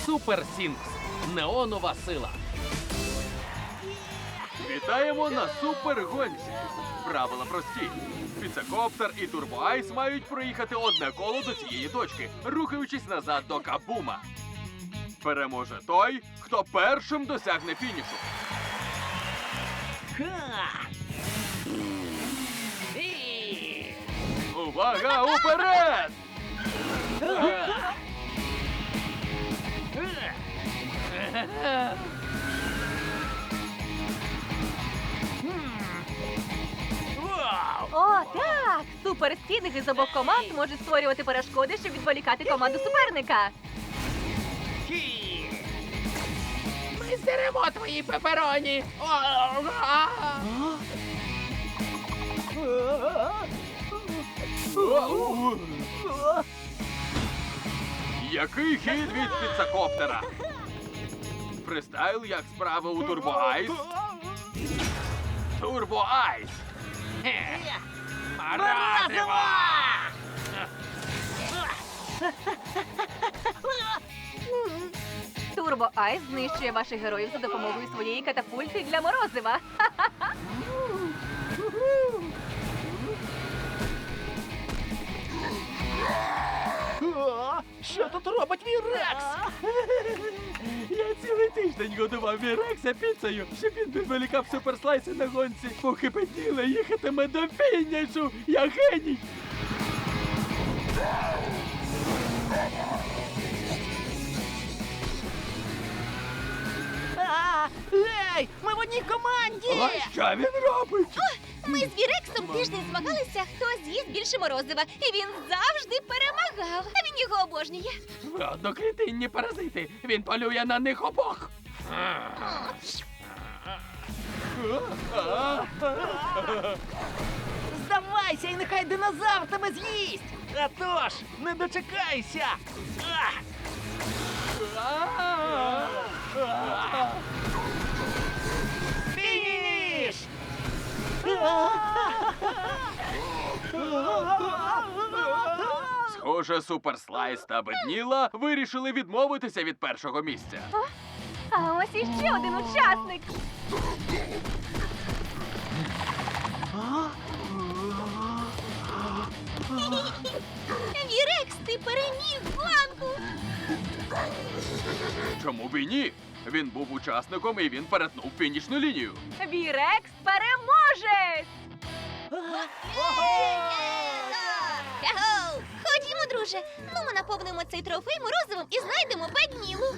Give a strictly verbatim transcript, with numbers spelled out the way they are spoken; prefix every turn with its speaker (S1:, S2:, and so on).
S1: Супер Сінкс. Неонова сила.
S2: Вітаємо на супергонці. Правила прості. Піцакоптер і Турбоайс мають проїхати одне коло до цієї точки, рухаючись назад до Кабума. Переможе той, хто першим досягне фінішу. Увага, уперед!
S3: О, так! Суперстінги з обох команд можуть створювати перешкоди, щоб відволікати команду суперника.
S1: Ми здеремо твої пепероні.
S2: Який хід від піцакоптера? Фристайл, як справа у Турбоайс? Турбоайс!
S1: Морозиво!
S3: Турбо Айс знищує ваших героїв за допомогою своєї катапульти для морозива.
S1: Що тут робить Вірекс?
S2: Я цілий тиждень годував Вірекса піцею, щоб він відволікав суперслайси на гонці, поки Петіла їхатиме до фінішу. Я геній!
S1: Ей, ми в одній команді!
S2: А що він робить?
S4: Ми з Вірексом тиждень змагалися, хто з'їсть більше морозива. І він завжди перемагав. А він його обожнює.
S2: Ви однокритинні паразити. Він полює на них обох.
S1: Здавайся, і нехай динозавр тебе з'їсть! А тож, не дочекайся! Фініш!
S2: Схоже, Суперслайс та Бедніла вирішили відмовитися від першого місця.
S3: А ось іще один учасник.
S4: Вірекс, ти переміг гонку!
S2: Чому б і ні? Він був учасником і він перетнув фінішну лінію.
S3: Вірекс переможе!
S4: Яго! Ходімо, друже. Ну, ми наповнимо цей трофей морозивом і знайдемо Беднілу.